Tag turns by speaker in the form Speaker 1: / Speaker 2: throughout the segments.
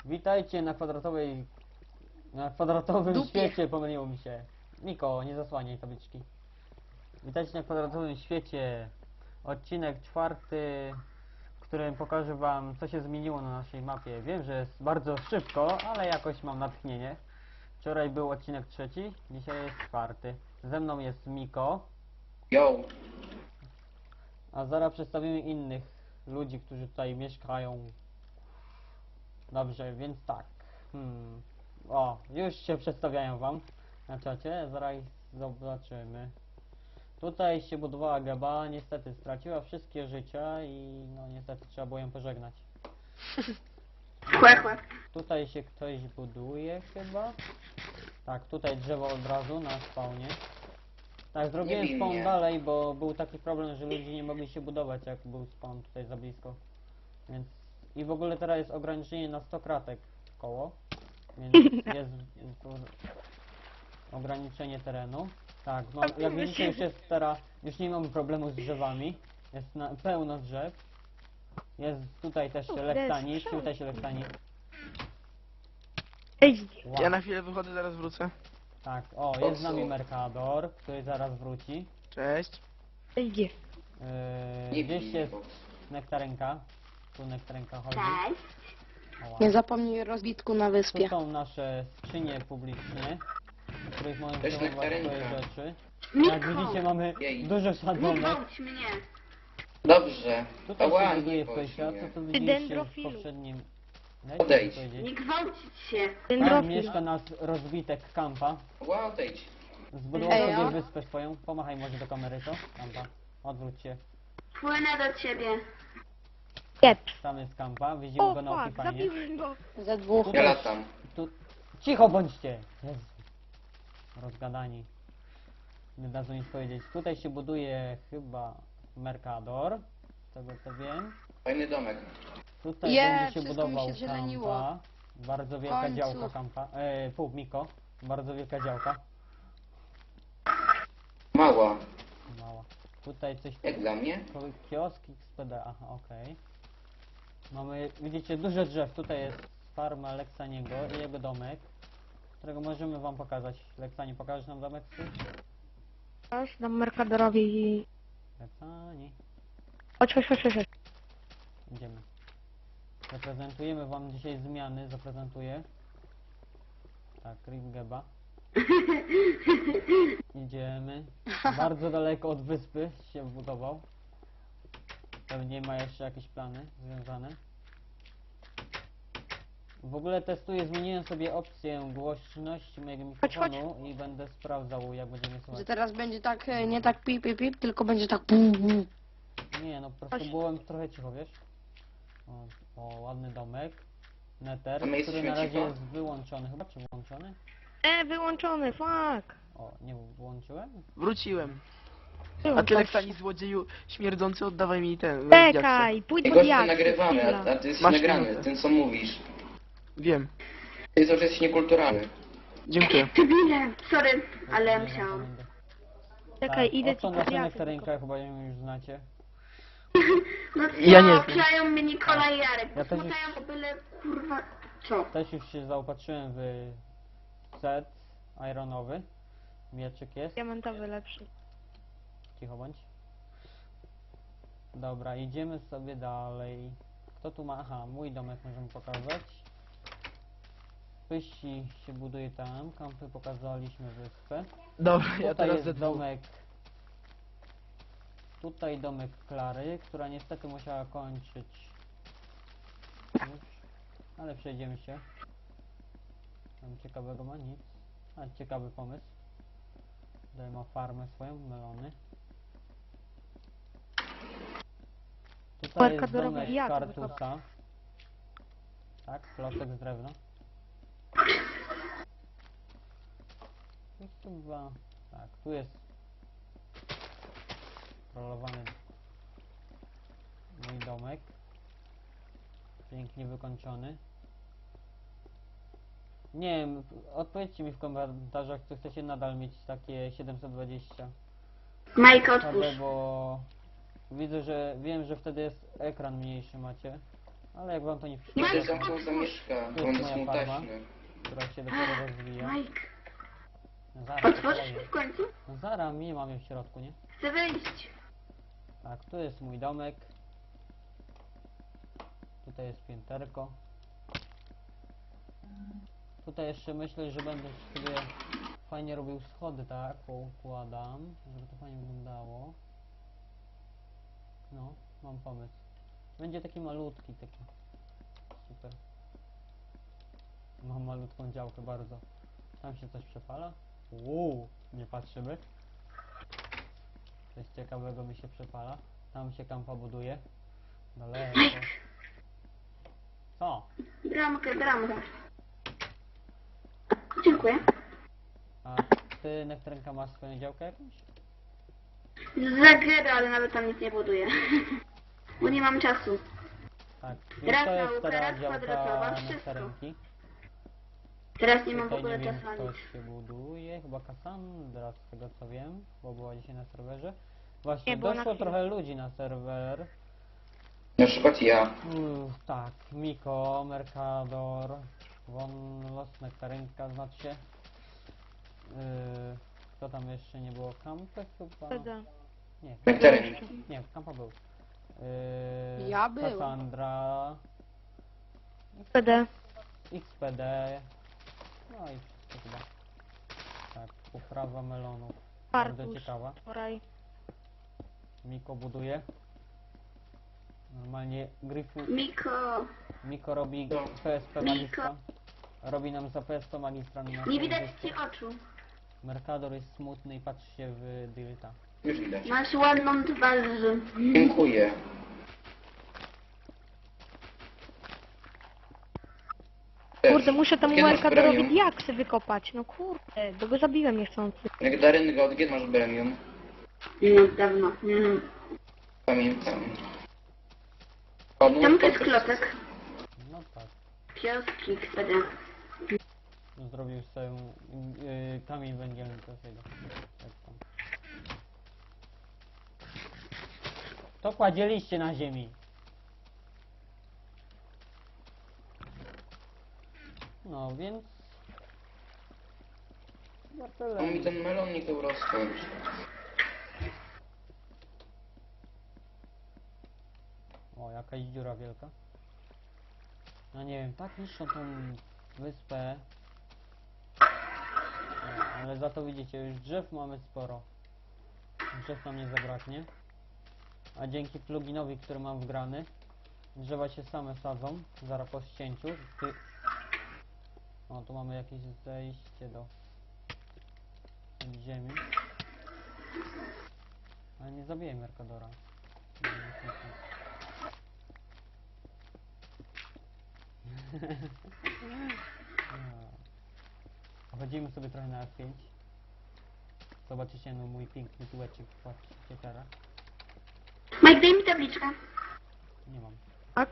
Speaker 1: Witajcie na kwadratowym
Speaker 2: Dupie.
Speaker 1: świecie, pomyliło mi się. Miko, nie zasłaniaj tabliczki. Witajcie na kwadratowym świecie. Odcinek 4, w którym pokażę wam, co się zmieniło na naszej mapie. Wiem, że jest bardzo szybko, ale jakoś mam natchnienie. Wczoraj był odcinek 3, dzisiaj jest 4. Ze mną jest Miko,
Speaker 3: Yo,
Speaker 1: a zaraz przedstawimy innych ludzi, którzy tutaj mieszkają. Dobrze, więc tak. O, już się przedstawiają wam na czacie, zaraz ich zobaczymy. Tutaj się budowała Geba, niestety straciła wszystkie życia i no niestety trzeba było ją pożegnać.
Speaker 2: Chłe.
Speaker 1: Tutaj się ktoś buduje chyba. Tak, tutaj drzewo od razu na spawnie. Tak, zrobiłem
Speaker 3: Nie bij
Speaker 1: spawn
Speaker 3: mnie.
Speaker 1: dalej, bo był taki problem, że ludzie nie mogli się budować, jak był spawn tutaj za blisko. Więc i w ogóle teraz jest ograniczenie na 100 kratek koło. Więc jest ograniczenie terenu. Tak, no, jak widzicie już jest teraz, już nie mamy problemu z drzewami. Jest pełno drzew. Jest tutaj też lektanik, tutaj się lektanik. Wow.
Speaker 4: Ja na chwilę wychodzę, zaraz wrócę.
Speaker 1: Tak, o, jest z nami Mercador, który zaraz wróci.
Speaker 4: Cześć.
Speaker 2: Idzie.
Speaker 3: nie
Speaker 1: Gdzieś
Speaker 3: bij
Speaker 1: jest
Speaker 3: mnie,
Speaker 1: nektarenka. Tu nektarenka chodzi.
Speaker 2: Cześć.
Speaker 1: Oła.
Speaker 2: Nie zapomnij rozbitku na
Speaker 1: Tu
Speaker 2: wyspie.
Speaker 1: są nasze skrzynie publiczne, w których możemy
Speaker 3: Cześć,
Speaker 1: przechowywać swoje
Speaker 3: nektarenka.
Speaker 1: rzeczy.
Speaker 2: Miko!
Speaker 1: Jak widzicie mamy
Speaker 3: Jej.
Speaker 1: dużo
Speaker 2: Nie
Speaker 1: sadzonek.
Speaker 2: gwałć mnie.
Speaker 3: Dobrze.
Speaker 1: Tutaj
Speaker 3: Ała,
Speaker 1: się buduje
Speaker 3: nie
Speaker 1: w
Speaker 3: bądź
Speaker 1: Pejsia,
Speaker 3: mnie.
Speaker 1: co tu widzieliście w
Speaker 2: dendrofilu.
Speaker 1: poprzednim... Dajcie mi
Speaker 3: Odejdź.
Speaker 1: powiedzieć.
Speaker 2: Nie gwałcić się.
Speaker 1: Tam mieszka nasz rozbitek Kampa.
Speaker 3: Ała, odejdź.
Speaker 1: Zbudował
Speaker 2: Ej,
Speaker 1: sobie
Speaker 2: o.
Speaker 1: wyspę swoją. Pomachaj może do kamery, co? Kampa. Odwróć się.
Speaker 2: Płynę do ciebie.
Speaker 1: Tam jest Kampa. Widzimy go na Opifanie.
Speaker 2: zabiłem go.
Speaker 5: Ze dwóch.
Speaker 3: Ja latam.
Speaker 1: Tu... Cicho bądźcie! Jezu. Rozgadani. Nie dadzą nic powiedzieć. Tutaj się buduje chyba Mercador. Z tego co wiem.
Speaker 3: Fajny domek.
Speaker 1: Tutaj
Speaker 5: Je,
Speaker 1: będzie się
Speaker 5: wszystko mi
Speaker 1: budował
Speaker 5: się zieleniło.
Speaker 1: Kampa. Bardzo wielka
Speaker 5: końcu.
Speaker 1: działka Kampa. Pół Miko. Bardzo wielka działka.
Speaker 3: Mała.
Speaker 1: Mała. Tutaj coś...
Speaker 3: Jak dla mnie?
Speaker 1: Kiosk XPD, aha, okej. Mamy, widzicie, dużo drzew. Tutaj jest farma Leksaniego i jego domek, którego możemy wam pokazać. Leksani, pokażesz nam domek swój?
Speaker 6: Aż dam Mercadorowi.
Speaker 1: Leksani.
Speaker 6: Chodź.
Speaker 1: Idziemy. Zaprezentujemy wam dzisiaj zmiany, zaprezentuję. Tak, Ringeba. Idziemy. Bardzo daleko od wyspy się wbudował. Pewnie ma jeszcze jakieś plany związane. W ogóle testuję, zmieniłem sobie opcję głośności mojego mikrofonu i będę sprawdzał, jak będziemy
Speaker 5: Że
Speaker 1: słuchać.
Speaker 5: teraz będzie tak, nie tak pip, pip, pip, tylko będzie tak pum, pum.
Speaker 1: Nie, no po prostu byłem trochę cicho, wiesz? O, ładny domek. Nether,
Speaker 3: A my
Speaker 1: który
Speaker 3: jesteśmy
Speaker 1: na razie
Speaker 3: cicho?
Speaker 1: jest wyłączony chyba, czy włączony?
Speaker 6: Wyłączony, fuck.
Speaker 1: O, nie włączyłem?
Speaker 4: Wróciłem. A
Speaker 6: Wyłącz.
Speaker 4: ty Leksani złodzieju śmierdzący, oddawaj mi ten.
Speaker 6: Czekaj, pójdź
Speaker 3: Jego
Speaker 6: pod
Speaker 3: się
Speaker 6: jak.
Speaker 3: nagrywamy, a ty jesteś
Speaker 4: Masz
Speaker 3: nagrany,
Speaker 4: minutę.
Speaker 3: tym co mówisz.
Speaker 4: Wiem.
Speaker 3: Ty cały czas jesteś niekulturalny.
Speaker 4: Dziękuję.
Speaker 2: Debile. Sorry, ale
Speaker 1: Nie
Speaker 2: musiałam.
Speaker 1: będę.
Speaker 6: Czekaj,
Speaker 1: Tak,
Speaker 6: idę
Speaker 1: oto
Speaker 6: ci
Speaker 1: nasza
Speaker 6: pod jak.
Speaker 1: nektarynka, chyba ją już znacie.
Speaker 2: No co,
Speaker 4: Ja nie znam.
Speaker 2: kleją mnie Nikola i Jarek.
Speaker 1: Ja też
Speaker 2: Posmutają o byle kurwa... Co?
Speaker 1: Też już się zaopatrzyłem w set ironowy. Mieczyk jest.
Speaker 6: Diamentowy lepszy.
Speaker 1: Cicho bądź. Dobra, idziemy sobie dalej. Kto tu ma? Aha, mój domek możemy pokazać. Pysi się buduje tam. Kampy pokazaliśmy wyspę.
Speaker 4: Dobra, ja
Speaker 1: Tutaj
Speaker 4: teraz
Speaker 1: jest
Speaker 4: ze dwóch.
Speaker 1: domek. Tutaj domek Klary, która niestety musiała kończyć. Już. Ale przejdziemy się. Tam ciekawego ma nic. A ciekawy pomysł. Tutaj ma farmę swoją, melony. Tutaj jest
Speaker 6: Mercadorowi
Speaker 1: domek
Speaker 6: jak
Speaker 1: Kartusa. Tak, klocek z drewna. Tu chyba... Tak, tu jest rolowany mój domek. Pięknie wykończony. Nie wiem, odpowiedzcie mi w komentarzach, czy chcecie nadal mieć takie 720
Speaker 2: Majka,
Speaker 1: HD,
Speaker 2: otwórz.
Speaker 1: bo widzę, że wiem, że wtedy jest ekran mniejszy macie. Ale jak wam to nie
Speaker 3: Niech
Speaker 1: przeszkadza,
Speaker 3: też zamknął zamieszka,
Speaker 1: To
Speaker 3: bo
Speaker 1: jest
Speaker 3: on jest
Speaker 1: moja
Speaker 3: smuteczny.
Speaker 1: która się dopiero rozwija.
Speaker 2: Mike,
Speaker 1: No zaraz, po
Speaker 2: otworzysz
Speaker 1: kolei.
Speaker 2: mi w końcu?
Speaker 1: No zaraz, mnie mamy w środku, nie?
Speaker 2: Chcę wyjść.
Speaker 1: Tak, tu jest mój domek. Tutaj jest pięterko. Tutaj jeszcze myślę, że będę sobie fajnie robił schody, tak? Poukładam, żeby to fajnie wyglądało. No, mam pomysł. Będzie taki malutki, taki. Super. Mam malutką działkę bardzo. Tam się coś przepala? Nie patrzymy. Coś ciekawego mi się przepala. Tam się kampa buduje. Daleko. Co?
Speaker 2: Bramkę, bramkę. Dziękuję.
Speaker 1: A ty, Nektarynka, masz swoją działkę jakąś?
Speaker 2: Zagrę, ale nawet tam nic nie buduję. Bo nie mam czasu.
Speaker 1: Tak, więc
Speaker 2: Raz
Speaker 1: to jest
Speaker 2: nauka,
Speaker 1: teraz
Speaker 2: raz
Speaker 1: działka
Speaker 2: kwadratowa, wszystko.
Speaker 1: Nektarynki.
Speaker 2: Teraz nie mam w
Speaker 1: Tutaj
Speaker 2: ogóle
Speaker 1: nie wiem,
Speaker 2: czasu na
Speaker 1: kto
Speaker 2: nic.
Speaker 1: się buduje. Chyba Cassandra, z tego co wiem, bo była dzisiaj na serwerze. Właśnie,
Speaker 6: Nie, była na
Speaker 1: doszło
Speaker 6: chwilę.
Speaker 1: trochę ludzi na serwer.
Speaker 3: Na przykład ja.
Speaker 1: Tak, Miko, Mercador, Von Los, Nektarynka, znaczy się. Kto tam jeszcze nie było? Kampy chyba?
Speaker 6: Wtedy.
Speaker 1: Nie,
Speaker 3: Nektarynki.
Speaker 1: nie, Kampa był.
Speaker 5: Ja byłem.
Speaker 1: Cassandra,
Speaker 6: Wtedy.
Speaker 1: XPD, no i wszystko chyba. Tak, uprawa melonów. Bardzo
Speaker 6: Fartusz.
Speaker 1: ciekawa.
Speaker 6: Wczoraj.
Speaker 1: Miko buduje. Normalnie Gryfu. Miko robi
Speaker 3: No.
Speaker 1: PSP magistra. Robi nam za PSP magistra na
Speaker 2: Nie
Speaker 1: naszym
Speaker 2: widać
Speaker 1: dysku.
Speaker 2: ci oczu.
Speaker 1: Mercador jest smutny i patrzy się w Dilta.
Speaker 3: Już widać.
Speaker 2: Masz ładną twarz.
Speaker 3: Dziękuję.
Speaker 6: Kurde, muszę temu
Speaker 3: Kiedy masz
Speaker 6: Mercadorowi
Speaker 3: premium?
Speaker 6: diaksy wykopać. No kurde, bo go zabiłem niechcący.
Speaker 3: Nektarynka, od kiedy masz premium?
Speaker 2: No, dawno.
Speaker 3: Pamiętam.
Speaker 2: Tam to jest klocek.
Speaker 1: No tak.
Speaker 2: Kioski, kwada.
Speaker 1: No, zrobił sobie kamień węgielny do tego. Tak tam. To kładzieliście na ziemi. No więc... No tyle.
Speaker 3: On mi ten melonik urosnąć.
Speaker 1: O, jakaś dziura wielka. No nie wiem, tak niszczą tą wyspę. No, ale za to widzicie, już drzew mamy sporo. Drzew nam nie zabraknie. A dzięki pluginowi, który mam wgrany, drzewa się same sadzą, zaraz po ścięciu. O, tu mamy jakieś zejście do ziemi. Ale nie zabiję Mercadora. Chodzimy sobie trochę na F5. Zobaczycie no mój piękny tułeczek w teraz.
Speaker 2: Mike, daj mi tabliczkę.
Speaker 1: Nie mam.
Speaker 6: Tak?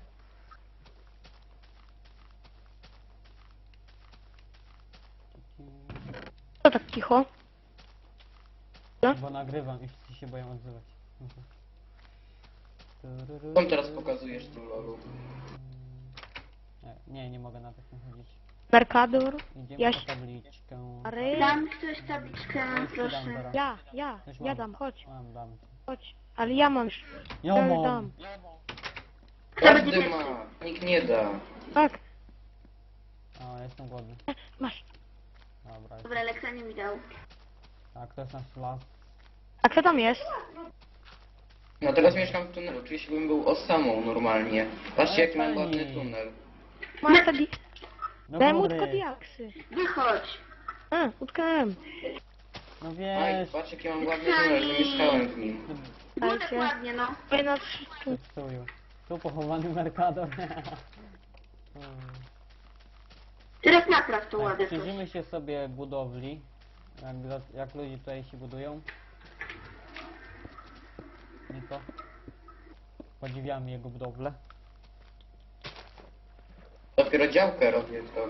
Speaker 6: Co tak cicho?
Speaker 1: Bo nagrywam i wszyscy się boją odzywać.
Speaker 3: Skąd teraz pokazujesz tu loru?
Speaker 1: Nie mogę na takim chodzić.
Speaker 6: Mercador?
Speaker 1: Idziemy
Speaker 6: Ja
Speaker 1: po
Speaker 6: się-
Speaker 1: tabliczkę.
Speaker 6: Ary?
Speaker 2: Dam ktoś tabliczkę,
Speaker 1: Już ci dam
Speaker 2: proszę.
Speaker 1: zaraz. Już
Speaker 6: Ja
Speaker 1: mam.
Speaker 6: dam, chodź,
Speaker 1: Dam.
Speaker 6: chodź. Ale ja mam już.
Speaker 1: Ja
Speaker 6: Ja już
Speaker 1: mam.
Speaker 6: dam.
Speaker 2: Kto będzie
Speaker 3: Każdy
Speaker 2: pierwszy?
Speaker 3: ma. Nikt nie da.
Speaker 6: Tak,
Speaker 1: A, jestem głodny.
Speaker 6: masz.
Speaker 1: Dobra, jest.
Speaker 2: Dobra, Leksa nie mi dał.
Speaker 1: Tak, to jest nasz las.
Speaker 6: A kto tam jest?
Speaker 3: No teraz mieszkam w tunelu. Czuję się, bym był osamą normalnie. Patrzcie, jaki mam
Speaker 1: Ale
Speaker 3: ładny
Speaker 1: fajnie.
Speaker 3: tunel.
Speaker 6: Masz te
Speaker 1: No
Speaker 6: Daj mu
Speaker 1: góry.
Speaker 6: tylko diaksy.
Speaker 2: Wychodź.
Speaker 6: A, utknąłem.
Speaker 1: No
Speaker 3: Aj,
Speaker 1: wiesz.
Speaker 3: patrz, jaki mam ładny tunel, że mieszkałem w nim.
Speaker 2: Było tak
Speaker 6: Dajcie.
Speaker 2: ładnie, no.
Speaker 6: Oj, na wszystkim.
Speaker 1: Psuju. Tu pochowany Mercador.
Speaker 2: Teraz napraw to
Speaker 1: Tak,
Speaker 2: ładne coś.
Speaker 1: przyjrzymy się sobie budowli. Jak ludzie tutaj się budują. Niko. Podziwiamy jego budowlę.
Speaker 3: Dopiero działkę robię to.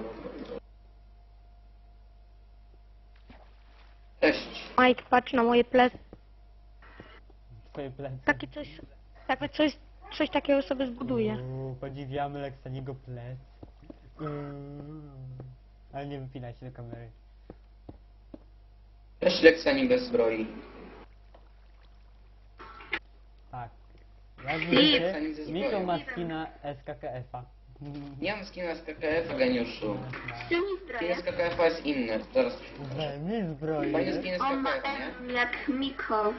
Speaker 3: Cześć.
Speaker 6: Mike, patrz na moje plecy.
Speaker 1: Twoje plecy.
Speaker 6: Takie coś coś takiego sobie zbuduję.
Speaker 1: Podziwiamy Leksaniego plec. Ale nie wypinaj się do kamery.
Speaker 3: Też Leksani bez zbroi.
Speaker 1: Tak. Jak
Speaker 3: Leksani
Speaker 1: widzicie,
Speaker 3: ze
Speaker 1: Miko
Speaker 3: zbroją.
Speaker 1: ma skina SKKF-a.
Speaker 3: Nie mam skina z KKF, geniuszu.
Speaker 2: Ściągnij
Speaker 3: Skin
Speaker 2: zbroję.
Speaker 3: z KKF jest inny. Zaraz.
Speaker 1: Mi zbroję.
Speaker 3: Fajny skin z
Speaker 2: On ma
Speaker 3: KKF, nie?
Speaker 2: M jak Miko.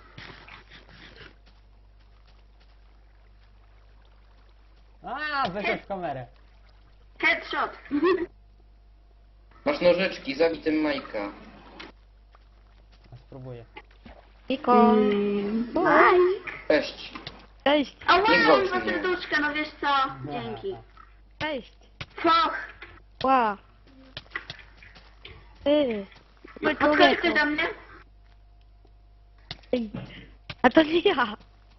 Speaker 1: A, wyszedł w kamerę.
Speaker 2: Headshot.
Speaker 3: Masz nożyczki, zabij tym Majka.
Speaker 1: A spróbuję.
Speaker 6: Niko.
Speaker 2: Mike.
Speaker 3: Cześć.
Speaker 6: Cześć.
Speaker 2: A
Speaker 3: Nie
Speaker 2: wow,
Speaker 3: gwałć
Speaker 2: dwa
Speaker 3: mnie.
Speaker 2: serduszka, no wiesz co? Dzięki.
Speaker 6: Cześć.
Speaker 2: Foch.
Speaker 6: Ła. Ty. Ty
Speaker 2: Odskoczy
Speaker 6: człowieku.
Speaker 2: ktoś do mnie?
Speaker 6: Ej. A to nie ja.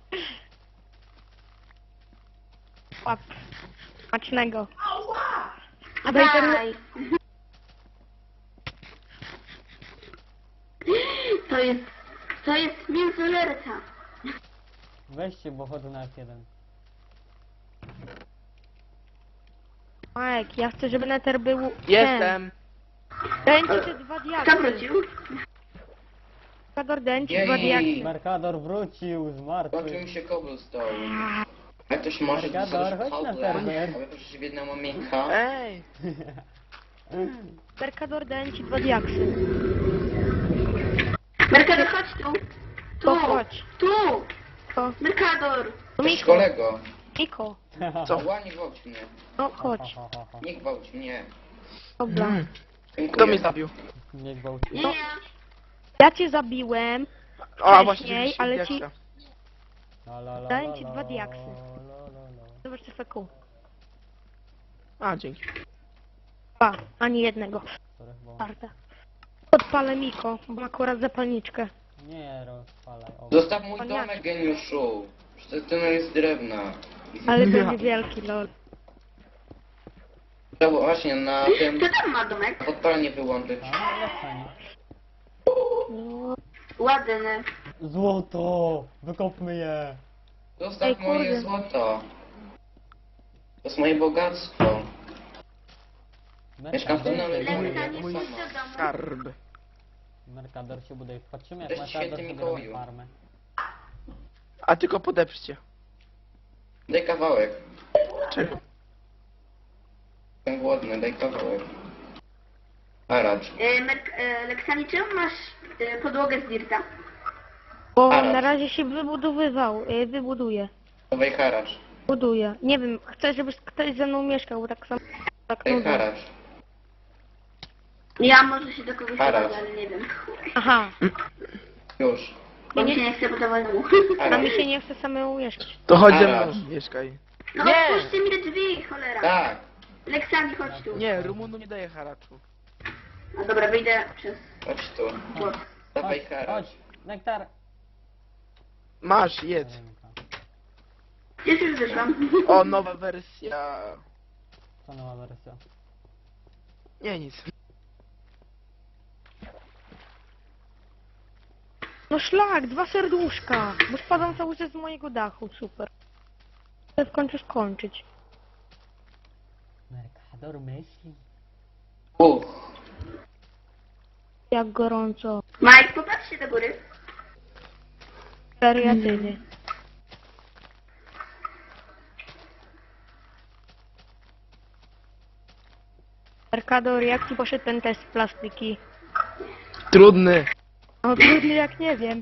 Speaker 6: Łap. Smacznego. A daj ten...
Speaker 2: Daj. To jest mięsożerca.
Speaker 1: Weźcie, bo chodzę na F1.
Speaker 6: Mike, ja chcę, żeby Nether był...
Speaker 4: Jestem.
Speaker 6: Ten. Daj ci te dwa
Speaker 2: Kto
Speaker 6: diaksy.
Speaker 2: wrócił?
Speaker 6: Kador, daj ci
Speaker 3: Jej.
Speaker 6: dwa diaksy.
Speaker 1: Mercador wrócił z
Speaker 3: Zobaczył
Speaker 1: martwych.
Speaker 3: mi się cobblestone. Jak to się może
Speaker 1: Mercador,
Speaker 3: dostać
Speaker 1: chodź na
Speaker 3: koble?
Speaker 1: serwer.
Speaker 3: A wy proszę w jedną omienka.
Speaker 4: Ej.
Speaker 6: Mercador, daj ci dwa diaksy.
Speaker 2: Mercador, chodź tu.
Speaker 6: To
Speaker 2: Tu.
Speaker 6: chodź.
Speaker 2: Tu.
Speaker 6: To.
Speaker 2: Mercador.
Speaker 6: No
Speaker 3: Cześć
Speaker 6: Miko.
Speaker 3: kolego.
Speaker 6: Miko.
Speaker 4: Co?
Speaker 3: Ła, nie gwałć mnie.
Speaker 6: No chodź.
Speaker 3: Nie gwałć mnie.
Speaker 6: Dobra.
Speaker 4: Mm.
Speaker 3: Dziękuję.
Speaker 4: Kto mnie zabił?
Speaker 1: Nie gwałci.
Speaker 2: Nie,
Speaker 6: No.
Speaker 2: ja.
Speaker 6: Ja cię zabiłem.
Speaker 4: O, a właśnie,
Speaker 6: Wcześniej,
Speaker 4: wzięliście
Speaker 6: ale ci-
Speaker 4: diaksa.
Speaker 6: Dałem ci dwa diaksy. Zobacz te feku.
Speaker 4: A, dzięki.
Speaker 6: Pa, ani jednego. Czwarta. Podpalę Miko, bo ma akurat zapalniczkę.
Speaker 1: Nie rozpalaj. O.
Speaker 3: Zostaw mój
Speaker 6: Paniaczek.
Speaker 3: domek, geniuszu. Przecież ten jest drewna.
Speaker 6: Ale będzie wielki, lol.
Speaker 3: To właśnie na tym
Speaker 2: Kto tam ma domek?
Speaker 3: podpalenie wyłączyć.
Speaker 1: A, Leksani.
Speaker 6: No,
Speaker 2: Ładny.
Speaker 1: Złoto! Wykopmy je!
Speaker 3: Zostaw
Speaker 6: Ej,
Speaker 3: moje
Speaker 6: kurde.
Speaker 3: złoto. To jest moje bogactwo. Mieszkam w tunelu i
Speaker 2: Lepsza
Speaker 3: moje
Speaker 2: niż
Speaker 4: mój
Speaker 2: do
Speaker 3: sama.
Speaker 2: domu.
Speaker 4: Skarb.
Speaker 1: Mercador się buduje. Patrzymy jak
Speaker 3: Cześć,
Speaker 1: Mercador
Speaker 3: święty
Speaker 1: sobie
Speaker 3: Mikołaju.
Speaker 1: robi farmę.
Speaker 4: A tylko podeprzcie.
Speaker 3: Daj kawałek.
Speaker 4: Czego?
Speaker 3: Jestem głodny, daj kawałek. Haracz.
Speaker 2: Leksani, czemu masz podłogę z dirta?
Speaker 6: bo
Speaker 3: Haracz.
Speaker 6: na razie się wybuduje.
Speaker 3: Dawaj haracz.
Speaker 6: Buduje. Nie wiem, chcę, żeby ktoś ze mną mieszkał, bo tak samo tak
Speaker 3: Daj
Speaker 6: nudno.
Speaker 3: haracz.
Speaker 2: Ja może się do kogoś
Speaker 3: Haracz.
Speaker 2: dodać, ale nie wiem.
Speaker 6: Aha,
Speaker 3: Już.
Speaker 2: Bo mi się nie chce budować domu.
Speaker 6: a mi
Speaker 3: Haracz.
Speaker 6: się nie chce samemu mieszkać.
Speaker 4: To chodź ze
Speaker 3: Haracz.
Speaker 4: mną, mieszkaj.
Speaker 2: No
Speaker 4: Nie.
Speaker 2: otwórzcie mi te drzwi, cholera.
Speaker 3: Tak.
Speaker 2: Leksani, chodź tu.
Speaker 4: Nie, Rumunu nie daje haraczu.
Speaker 2: A dobra, wyjdę przez
Speaker 3: Chodź tu.
Speaker 2: płot.
Speaker 3: Dawaj
Speaker 1: Chodź,
Speaker 3: haracz.
Speaker 1: chodź! Nektar!
Speaker 4: Masz, jedz.
Speaker 2: Gdzieś już wyszłam.
Speaker 4: O, nowa wersja.
Speaker 1: Co nowa wersja?
Speaker 4: Nie, nic.
Speaker 6: No szlak, dwa serduszka, bo spadam cały czas z mojego dachu, super. Chcę w końcu skończyć.
Speaker 1: Mercador myśli.
Speaker 6: Jak gorąco.
Speaker 2: Mike, popatrzcie do góry.
Speaker 6: Wariatyny. Mercador, jak ci poszedł ten test plastyki?
Speaker 4: Trudny.
Speaker 6: O trudny jak nie wiem.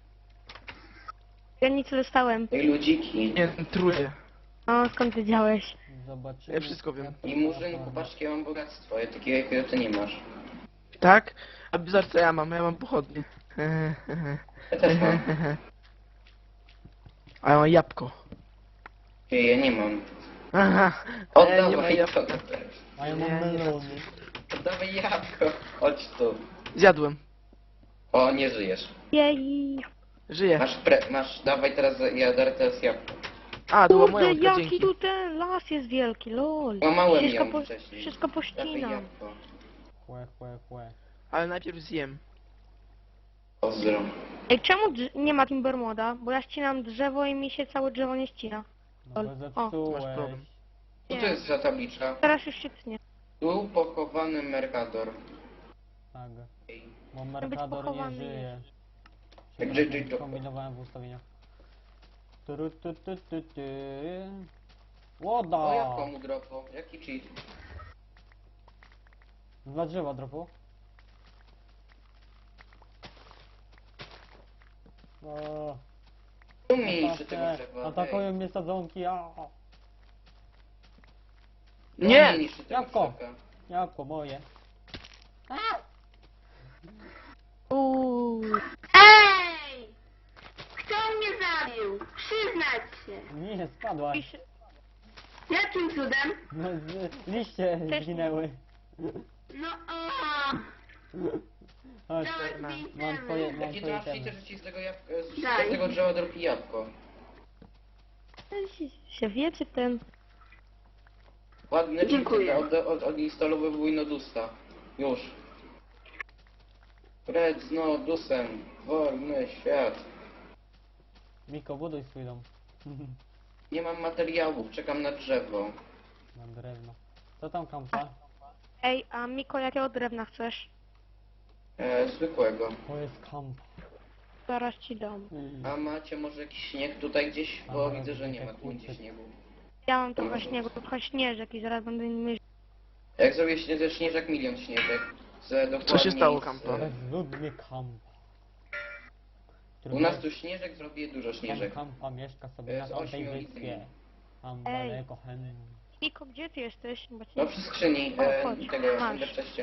Speaker 6: Ja nic nie dostałem.
Speaker 3: I ludziki.
Speaker 4: Nie, trudny.
Speaker 6: O, skąd wiedziałeś?
Speaker 1: Zobaczymy.
Speaker 4: Ja wszystko wiem.
Speaker 3: I murzynku, patrz jakie ja mam bogactwo. Ja takiego jakiego ty nie masz.
Speaker 4: Tak? A bizar co ja mam? Ja mam pochodnie.
Speaker 3: Ja też mam.
Speaker 4: A ja mam jabłko.
Speaker 3: Ej, ja nie mam.
Speaker 4: Aha. Nie ma
Speaker 3: Oddawaj to.
Speaker 4: jabłka.
Speaker 1: A ja mam
Speaker 4: Nie, nie.
Speaker 1: melony.
Speaker 3: Oddawaj jabłko. Chodź tu.
Speaker 4: Zjadłem.
Speaker 3: O, nie żyjesz.
Speaker 6: Jej.
Speaker 4: Żyję.
Speaker 3: Masz, dawaj teraz, ja darę teraz jabłko.
Speaker 4: A, to była
Speaker 6: Kurde,
Speaker 4: moja łódka,
Speaker 6: jaki
Speaker 4: dzięki.
Speaker 6: tu ten las jest wielki, lol.
Speaker 3: Łamałem
Speaker 6: Wszystko,
Speaker 3: ją wcześniej.
Speaker 6: wszystko
Speaker 3: Dawaj
Speaker 6: pościnam.
Speaker 3: jabłko.
Speaker 1: Chłe.
Speaker 4: Ale najpierw zjem.
Speaker 3: Pozdro.
Speaker 6: Ej, czemu nie ma Timber moda? Bo ja ścinam drzewo i mi się całe drzewo nie ścina.
Speaker 1: No bo
Speaker 6: O,
Speaker 1: zepsułeś.
Speaker 4: masz problem.
Speaker 3: Co to jest za tabliczka?
Speaker 6: Teraz już się tnie.
Speaker 3: Tu pochowany Mercador.
Speaker 1: Tak.
Speaker 3: Ej,
Speaker 1: Bo
Speaker 6: być
Speaker 1: Mercador nie
Speaker 6: pochowany
Speaker 1: żyje.
Speaker 3: Tak,
Speaker 1: Przepraszam,
Speaker 3: JJ
Speaker 1: kombinowałem w ustawieniach. Turu, tu, tu, tu, tu.
Speaker 3: O,
Speaker 1: Łoda!
Speaker 3: jak komu dropo? Jaki cheat?
Speaker 1: Dla drzewa dropu. O,
Speaker 3: Tu mnie niszczy tego drzewa.
Speaker 1: atakują mnie sadzonki,
Speaker 4: Nie!
Speaker 3: Niszczy tego
Speaker 1: Jabłko.
Speaker 3: drzewka.
Speaker 1: Jabłko moje.
Speaker 6: Uuu.
Speaker 2: Ej! Kto mnie zabił? Przyznać się.
Speaker 1: Nie, spadłaś.
Speaker 6: Pisze-
Speaker 2: Jakim cudem?
Speaker 1: No, liście
Speaker 6: Też-
Speaker 1: zginęły.
Speaker 2: No o!
Speaker 1: Chodź,
Speaker 2: Dałem
Speaker 1: mam twoje, mam
Speaker 3: Jaki to
Speaker 1: twoje
Speaker 3: masz cheater,
Speaker 1: temy.
Speaker 3: że ci z tego jabłka,
Speaker 2: Daj.
Speaker 3: z tego drzewa dropi jabłko?
Speaker 6: się wiecie ten.
Speaker 3: Ładny
Speaker 2: Dziękuję.
Speaker 3: odinstalowywuj Nodusa. Już. Red z Nodusem. Wolny świat.
Speaker 1: Miko, buduj swój dom.
Speaker 3: Nie mam materiałów, czekam na drzewo.
Speaker 1: Na drewno. Co tam kampa?
Speaker 6: Ej, a Miko, jakiego drewna chcesz?
Speaker 3: Zwykłego.
Speaker 1: To jest kamp.
Speaker 6: Zaraz ci dam.
Speaker 3: A macie może jakiś śnieg tutaj gdzieś? Bo
Speaker 1: A,
Speaker 3: widzę, że nie ma
Speaker 1: jak
Speaker 3: tu nigdzie
Speaker 1: kurczę.
Speaker 3: śniegu.
Speaker 6: Ja mam trochę śniegu, trochę śnieżek i zaraz będę mieć.
Speaker 3: Jak zrobię ze śnieżek, milion śnieżek.
Speaker 4: Co się stało,
Speaker 3: z-
Speaker 4: Kampa?
Speaker 1: Bezludny kamp.
Speaker 3: U nas tu śnieżek, zrobię dużo śnieżek.
Speaker 1: Kampa mieszka sobie na
Speaker 3: Z
Speaker 1: tamtej
Speaker 3: ośmiu
Speaker 1: wyspie.
Speaker 3: litry.
Speaker 1: Tam
Speaker 6: Ej.
Speaker 1: daleko hen.
Speaker 6: Miko, gdzie ty jesteś? Bo cię
Speaker 3: No
Speaker 6: nie...
Speaker 3: przy skrzyni
Speaker 6: O, chodź,
Speaker 3: tego
Speaker 6: masz.
Speaker 3: wcześniej.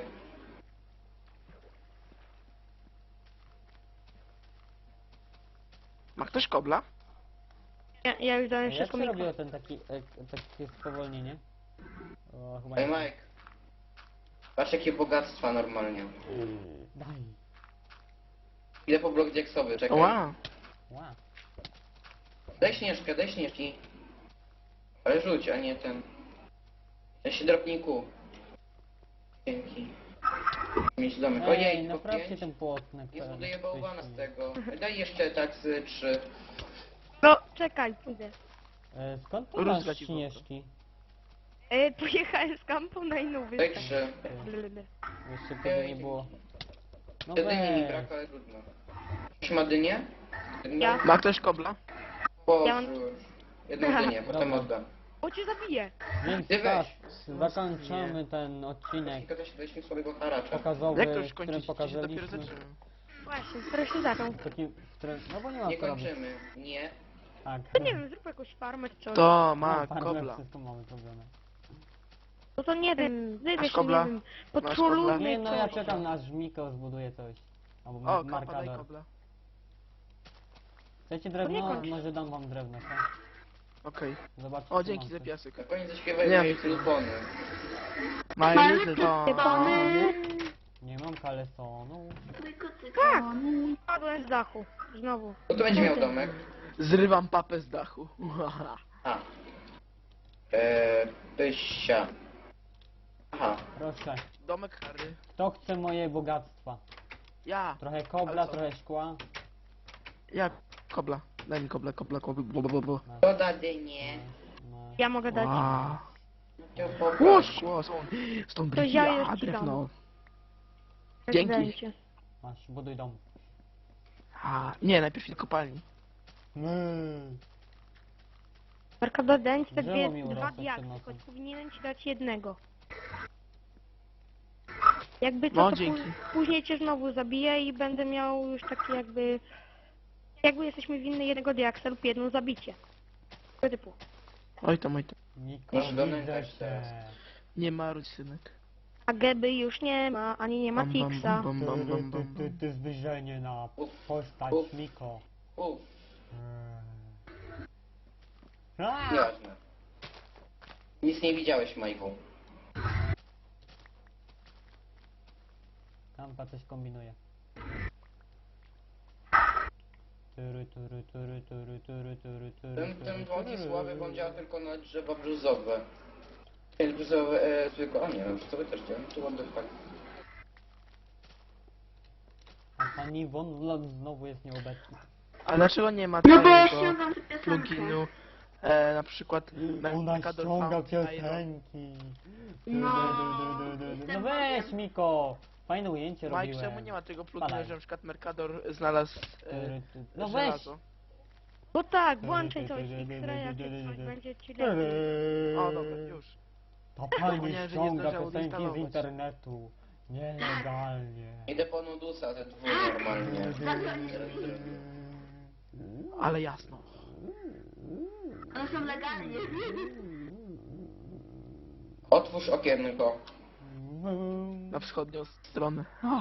Speaker 4: Ma ktoś kobla?
Speaker 6: Ja już dałem
Speaker 1: Jak
Speaker 6: wszystko
Speaker 1: się
Speaker 6: Miko.
Speaker 1: robiło ten takie spowolnienie? O, chyba
Speaker 3: Ej
Speaker 1: nie.
Speaker 3: Mike. Patrz jakie bogactwa normalnie.
Speaker 1: Daj.
Speaker 3: Idę po blok diaksowy, czekaj.
Speaker 4: Ła!
Speaker 1: Ła.
Speaker 3: Daj śnieżkę, daj śnieżki. Ale rzuć, a nie ten. Ja się dropniku. Dzięki. Mieć domek.
Speaker 1: Ej,
Speaker 3: Ojej, po
Speaker 1: naprawcie
Speaker 3: 5.
Speaker 1: ten płotnek.
Speaker 3: Nie
Speaker 1: ten
Speaker 3: zbuduję bałwana z
Speaker 1: wcześniej.
Speaker 3: tego. Daj jeszcze tak z 3.
Speaker 6: No, czekaj, pójdę.
Speaker 1: Skąd ty
Speaker 4: Rózga
Speaker 1: masz
Speaker 4: ci
Speaker 1: śnieżki?
Speaker 6: Pojechałem z kampą na inną
Speaker 3: Daj
Speaker 6: wyspę.
Speaker 3: 3.
Speaker 1: Jeszcze tego nie było. No
Speaker 3: Jedynie mi
Speaker 1: weź.
Speaker 3: brak, ale trudno. Ktoś ma dynię?
Speaker 6: Ja.
Speaker 4: Ma ktoś kobla?
Speaker 3: Boże.
Speaker 6: Ja mam-
Speaker 3: Jedną dynię, potem
Speaker 1: Dobra.
Speaker 3: oddam.
Speaker 6: O, cię zabiję.
Speaker 1: Więc
Speaker 3: Ty
Speaker 1: tak,
Speaker 3: weź.
Speaker 1: zakończamy ten odcinek
Speaker 3: Tylko też daliśmy słabego haracza.
Speaker 1: pokazowy,
Speaker 4: Jak to już
Speaker 1: w którym
Speaker 4: kończyć? Dzisiaj dopiero
Speaker 1: pokazaliśmy
Speaker 4: zacząłem.
Speaker 6: Właśnie, teraz się zaczął.
Speaker 1: taki, w którym, no bo nie ma
Speaker 3: Nie
Speaker 1: co robić.
Speaker 3: kończymy. Nie.
Speaker 1: Tak.
Speaker 6: No nie wiem, zrób jakąś farmę czy coś.
Speaker 4: To
Speaker 1: No,
Speaker 4: ma
Speaker 1: farmę,
Speaker 4: kobla.
Speaker 1: wszystko mamy zrobione.
Speaker 6: No to nie wiem, wybierz,
Speaker 4: kobla?
Speaker 6: nie wiem.
Speaker 4: Masz
Speaker 6: Potrolujmy
Speaker 1: Nie no, ja
Speaker 6: coś.
Speaker 1: czekam na aż Miko zbuduje coś. Albo
Speaker 4: O, Kampa, daj
Speaker 1: Markador.
Speaker 4: kobla.
Speaker 1: Chcecie
Speaker 6: nie
Speaker 1: drewno?
Speaker 6: kończ.
Speaker 1: Może dam wam drewno, tak?
Speaker 4: Okej.
Speaker 1: Zobaczcie.
Speaker 4: O,
Speaker 1: co
Speaker 4: dzięki
Speaker 1: mam
Speaker 4: za
Speaker 1: tu.
Speaker 4: piasek.
Speaker 3: Na koniec zaśpiewaj
Speaker 4: Nie.
Speaker 3: moje telefony.
Speaker 4: My little
Speaker 2: Pony.
Speaker 1: Nie mam kalesonu.
Speaker 6: Tak. Padłem z dachu. Znowu.
Speaker 3: No to będzie miał domek.
Speaker 4: Zrywam papę z dachu.
Speaker 3: A. Pysia. Aha.
Speaker 1: Proszę.
Speaker 4: Domek Harry.
Speaker 1: Kto chce moje bogactwa?
Speaker 4: Ja.
Speaker 1: Trochę kobla,
Speaker 4: Ale co?
Speaker 1: trochę szkła.
Speaker 4: Ja. Kobla. Daj mi kobla.
Speaker 1: Masz,
Speaker 3: To da dynię.
Speaker 1: masz.
Speaker 6: Ja mogę dać.
Speaker 4: Wow.
Speaker 3: To
Speaker 4: O,
Speaker 3: popatrz.
Speaker 4: szkło, stąd
Speaker 6: To ja już
Speaker 4: brwia,
Speaker 6: ci
Speaker 4: drewno.
Speaker 6: dam.
Speaker 4: Dzięki.
Speaker 6: Prezydencie.
Speaker 1: Masz, buduj dom.
Speaker 4: A, nie, najpierw idę kopalni.
Speaker 6: Mercador dałem ci te
Speaker 1: Drzewo mi
Speaker 6: dwa
Speaker 1: urosło przed
Speaker 6: diaksy,
Speaker 1: nocą.
Speaker 6: choć powinienem ci dać jednego. Jakby co,
Speaker 4: No,
Speaker 6: to
Speaker 4: dzięki.
Speaker 6: później cię znowu zabiję i będę miał już taki jakby... Jakby jesteśmy winny jednego diaksa lub jedno zabicie. Tego typu.
Speaker 4: Oj tam, oj tam.
Speaker 1: Niko,
Speaker 3: Masz domek
Speaker 1: widzę
Speaker 3: też
Speaker 1: cię.
Speaker 3: teraz.
Speaker 4: Nie marudź, synek.
Speaker 6: A Geby już nie ma, ani nie ma
Speaker 4: Bam, bam,
Speaker 6: Tixa.
Speaker 4: bam, bam, bam, bam, bam.
Speaker 1: Ty zbliżenie na postać
Speaker 3: Uf.
Speaker 1: Miko.
Speaker 3: Uff,
Speaker 1: Aaa!
Speaker 3: nieważne. Nic nie widziałeś, Majku.
Speaker 1: Kampa coś kombinuje.
Speaker 3: Ten błąd słaby, bo on działa tylko na drzewa brzuzowe. Nie, brzuzowe, zwykłe, o nie, brzuzowe też działa, to what the fuck.
Speaker 1: A pani Von Vlog znowu jest nieobecna.
Speaker 4: A dlaczego nie ma
Speaker 2: No bo ja
Speaker 4: tego
Speaker 2: ściągam tę piosenkę.
Speaker 4: pluginu Na przykład
Speaker 1: Ona
Speaker 4: Mercador
Speaker 1: ściąga
Speaker 4: Found Iron.
Speaker 1: piosenki.
Speaker 2: No,
Speaker 1: No
Speaker 2: jestem
Speaker 1: weź
Speaker 2: bogiem.
Speaker 1: Miko. Fajne ujęcie
Speaker 4: Mike,
Speaker 1: robiłem.
Speaker 4: czemu nie ma tego pluginu,
Speaker 1: Spadaj.
Speaker 4: że na przykład Mercador znalazł
Speaker 1: No weź.
Speaker 4: żelazo?
Speaker 6: Bo tak, włączaj coś X-raya czy coś, będzie ci lepiej.
Speaker 4: O, dobra, już.
Speaker 1: Ta pani
Speaker 4: Zapomniałem, że nie
Speaker 1: ściąga
Speaker 4: zdążyłem
Speaker 1: piosenki z
Speaker 4: odinstalować.
Speaker 1: internetu. Nielegalnie.
Speaker 3: Idę po nudusa ze dwóch normalnie.
Speaker 4: Ale jasno.
Speaker 2: One są legalnie.
Speaker 3: Otwórz okienko.
Speaker 4: Na wschodnią stronę.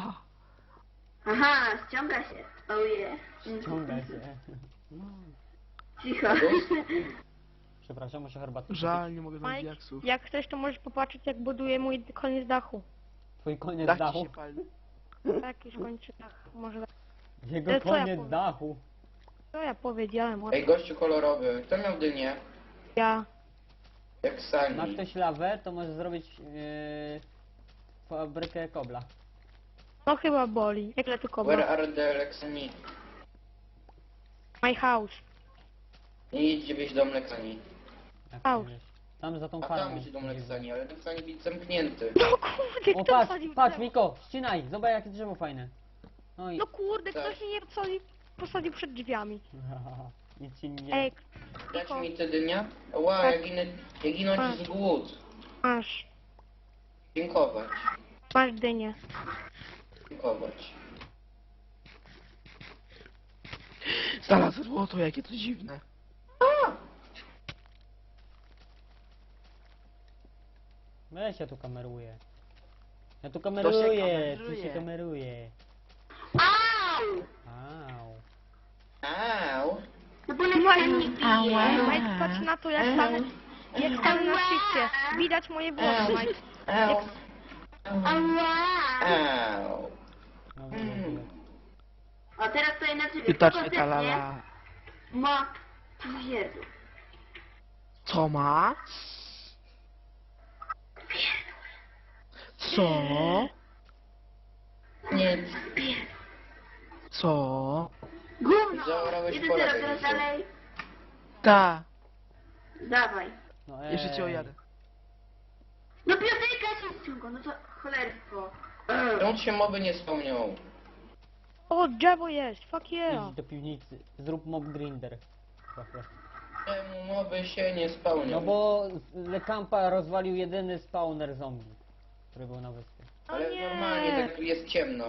Speaker 2: Aha, ściąga się. Oh yeah.
Speaker 1: Ściąga się.
Speaker 2: Cicho.
Speaker 1: Przepraszam, muszę herbatę.
Speaker 4: Żal, nie mogę znaleźć
Speaker 6: Mike,
Speaker 4: diaksów.
Speaker 6: jak chcesz, to możesz popatrzeć, jak buduję mój koniec dachu.
Speaker 1: Twój koniec
Speaker 4: Dach ci
Speaker 1: dachu.
Speaker 4: się pali.
Speaker 6: Tak, już kończy dach. Może tak.
Speaker 1: Jego
Speaker 6: Ale co ja
Speaker 1: koniec
Speaker 6: powiem?
Speaker 1: dachu.
Speaker 6: Co ja powiedziałem? O,
Speaker 3: Ej, gościu kolorowy. Kto miał dynię?
Speaker 6: ja.
Speaker 3: Jak
Speaker 1: Ma
Speaker 3: Sani.
Speaker 1: ktoś lawę, to może zrobić fabrykę kobla.
Speaker 6: No chyba boli. Jak tu
Speaker 3: Where
Speaker 6: kobra?
Speaker 3: are the Lexani?
Speaker 6: My house.
Speaker 3: Nie idźcie wieść dom Lexani.
Speaker 1: Jak
Speaker 6: Au.
Speaker 1: to wiesz. Tam za tą
Speaker 3: A
Speaker 1: farmą.
Speaker 3: tam będzie dom Lexani, ale Lexani być zamknięty.
Speaker 6: No kurde,
Speaker 1: O
Speaker 6: kto
Speaker 1: patrz,
Speaker 6: wsadził
Speaker 1: patrz
Speaker 6: drzewo?
Speaker 1: Miko, ścinaj, zobacz jakie drzewo fajne. No i...
Speaker 6: No kurde,
Speaker 3: Tak.
Speaker 6: ktoś mnie nie posadził przed drzwiami.
Speaker 1: I ci nie...
Speaker 6: Ej,
Speaker 3: Dać
Speaker 6: Miko,
Speaker 3: mi te dynia? Ła,
Speaker 6: Tak.
Speaker 3: jak ginąć z głód.
Speaker 6: masz.
Speaker 3: Dziękować.
Speaker 6: Masz dynię.
Speaker 3: Dziękować.
Speaker 4: Znalazł złoto, jakie to dziwne.
Speaker 1: Weź, ja tu kameruję. Ja tu
Speaker 4: się
Speaker 1: kameruję, tu
Speaker 4: kameruje?
Speaker 1: się kameruje.
Speaker 2: Au!
Speaker 1: Au.
Speaker 3: Au.
Speaker 2: No bo Lexan nie bije.
Speaker 6: Mike, patrz na to, jak tam na szczycie. Widać moje włosy, Mike.
Speaker 3: Au.
Speaker 2: Ała!
Speaker 3: Au.
Speaker 1: No, wiem.
Speaker 2: O, teraz to na ciebie.
Speaker 4: Pytacznie talala.
Speaker 2: Ma twierdu.
Speaker 4: Co ma? Co?
Speaker 3: Nie.
Speaker 4: Co?
Speaker 2: Gówno!
Speaker 3: Zaorałeś
Speaker 2: 1-0,
Speaker 3: pole
Speaker 2: teraz
Speaker 3: tenisu.
Speaker 2: dalej.
Speaker 4: Ta.
Speaker 2: Dawaj.
Speaker 1: No
Speaker 4: Jeszcze cię ojadę.
Speaker 2: No piosenka się ściąga, no to cholerstwo.
Speaker 3: Czemu się moby nie spełnią?
Speaker 6: O, drzewo jest, fuck yeah.
Speaker 1: Idź do piwnicy, zrób mob grinder. Trochę.
Speaker 3: Czemu moby się nie spełnią?
Speaker 1: No bo Lekampa rozwalił jedyny spawner zombie, który był na wyspie.
Speaker 3: Ale
Speaker 6: O nie.
Speaker 3: normalnie tak jest ciemno.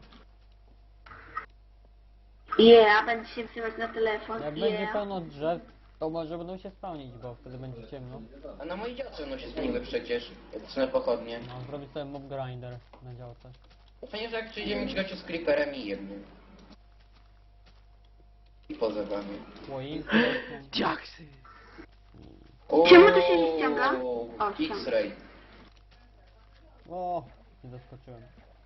Speaker 2: Yeah, będę się wsyłać na telefon.
Speaker 1: Jak będzie
Speaker 2: Yeah.
Speaker 1: pełno drzew, to może będą się spełnić, bo wtedy będzie ciemno.
Speaker 3: A na mojej działce no się zmieniły przecież. Jak zacznę pochodnie.
Speaker 1: No, zrobić sobie mob grinder na działce.
Speaker 3: To fajnie, że jak przyjdzie mi gościu z creeperem i jednym. I poza wami.
Speaker 1: Słoinki.
Speaker 4: Diaksy.
Speaker 2: Czemu to się nie ściąga? O,
Speaker 3: X-ray.
Speaker 1: O, nie doskoczyłem.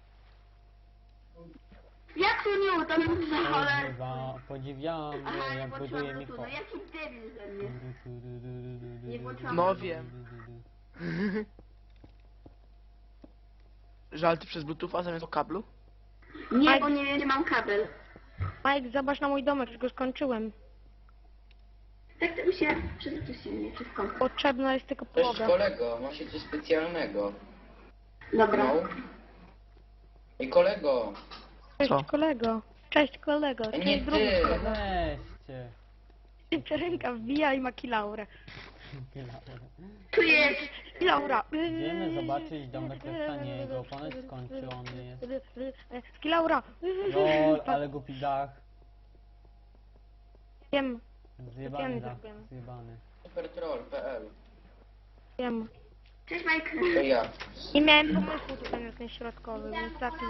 Speaker 2: Jak to nie uda mi za cholerstwo?
Speaker 1: Podziwiamy,
Speaker 2: Aha, nie
Speaker 1: jak buduje
Speaker 2: włączyłam
Speaker 1: Miko.
Speaker 2: no jaki debil ze mnie. Nie włączyłam
Speaker 4: No
Speaker 2: Bluetootha.
Speaker 4: wiem. Żal, ty przez Bluetootha zamiast o kablu?
Speaker 2: Nie, bo nie wiem, gdzie mam kabel.
Speaker 6: Mike, zobacz na mój domek, już go skończyłem.
Speaker 2: Tak to mi się przezroczyło mnie wszystko.
Speaker 6: Potrzebna jest tylko
Speaker 3: Cześć
Speaker 6: podłoga.
Speaker 3: kolego, ma się coś specjalnego.
Speaker 2: Dobra.
Speaker 3: No. Ej kolego,
Speaker 6: Cześć
Speaker 4: Co?
Speaker 6: kolego. Cześć kolego.
Speaker 3: nie
Speaker 6: Cześć drugi
Speaker 3: ty.
Speaker 6: kolego.
Speaker 1: Weźcie.
Speaker 6: Ręka wbija i ma kilaurę.
Speaker 2: Tu jest.
Speaker 6: Kilaura.
Speaker 1: Idziemy zobaczyć domek Lestaniego, ponoć skończony jest.
Speaker 6: Kilaura.
Speaker 1: Lol, ale głupi dach.
Speaker 6: Wiem,
Speaker 1: Zjebany dach,
Speaker 6: zrobiłem.
Speaker 1: zjebany.
Speaker 3: Supertroll.pl.
Speaker 6: wiem.
Speaker 2: Cześć Mike.
Speaker 3: To ja.
Speaker 6: Nie miałem pomysłu tutaj na ten środkowy, więc taki...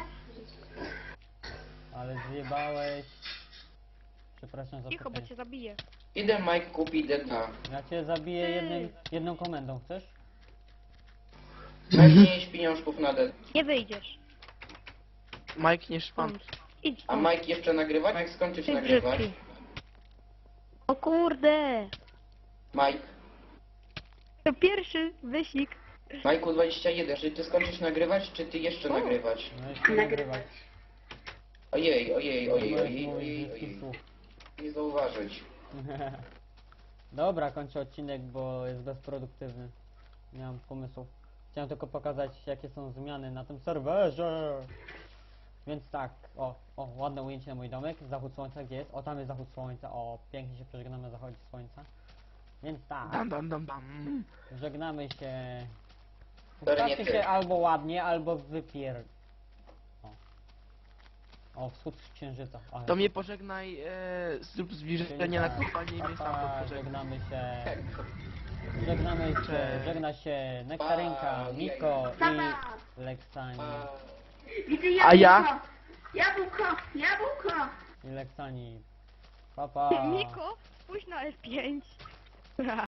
Speaker 1: Ale zjebałeś. Przepraszam za
Speaker 6: Cicho, bo
Speaker 1: pytanie.
Speaker 6: cię zabiję.
Speaker 3: Idę Mike kupi DK.
Speaker 1: Ja cię zabiję jedną komendą, chcesz?
Speaker 3: Weźmiesz pieniążków na DK.
Speaker 6: Nie wyjdziesz.
Speaker 4: Mike, nie szpan.
Speaker 6: Stąd. Idź
Speaker 3: A
Speaker 6: stąd.
Speaker 3: Mike jeszcze nagrywać? Mike skończysz
Speaker 6: Ty
Speaker 3: nagrywać?
Speaker 6: brzydki. O kurde.
Speaker 3: Mike.
Speaker 6: To pierwszy wyścig.
Speaker 3: Majku 21, czy ty skończysz nagrywać, czy ty jeszcze nagrywać?
Speaker 1: No jeszcze
Speaker 2: Nagrywać.
Speaker 3: Ojej, ojej, ojej,
Speaker 1: Możesz
Speaker 3: ojej,
Speaker 1: mówić
Speaker 3: ojej,
Speaker 1: brzydkich
Speaker 3: ojej.
Speaker 1: słów.
Speaker 3: Nie zauważyć.
Speaker 1: Dobra, kończę odcinek, bo jest bezproduktywny. Nie mam pomysłów. Chciałem tylko pokazać, jakie są zmiany na tym serwerze. Więc tak, ładne ujęcie na mój domek. Zachód słońca, gdzie jest? O, tam jest zachód słońca. O, pięknie się przeżegnamy na zachodzie słońca. Więc tak,
Speaker 4: Dam, dam, dam, dam.
Speaker 1: żegnamy się.
Speaker 3: Pewnie
Speaker 1: Ustawcie
Speaker 3: ty.
Speaker 1: się albo ładnie, albo O, wschód księżyca. Ale...
Speaker 4: To mnie pożegnaj, zrób zbliżenie na kopalnię i mnie sam
Speaker 1: Pa,
Speaker 4: pożegnaj.
Speaker 1: żegnamy się. Żegnamy się,
Speaker 4: Cześć.
Speaker 1: żegna się Nektarynka, Miko
Speaker 2: Pa,
Speaker 1: i
Speaker 2: pa.
Speaker 1: Leksani.
Speaker 3: A...
Speaker 2: Widzę
Speaker 4: A ja?
Speaker 2: jabłko. Jabłko, jabłko.
Speaker 1: I Leksani. Pa, pa.
Speaker 6: Miko, spójrz na F5.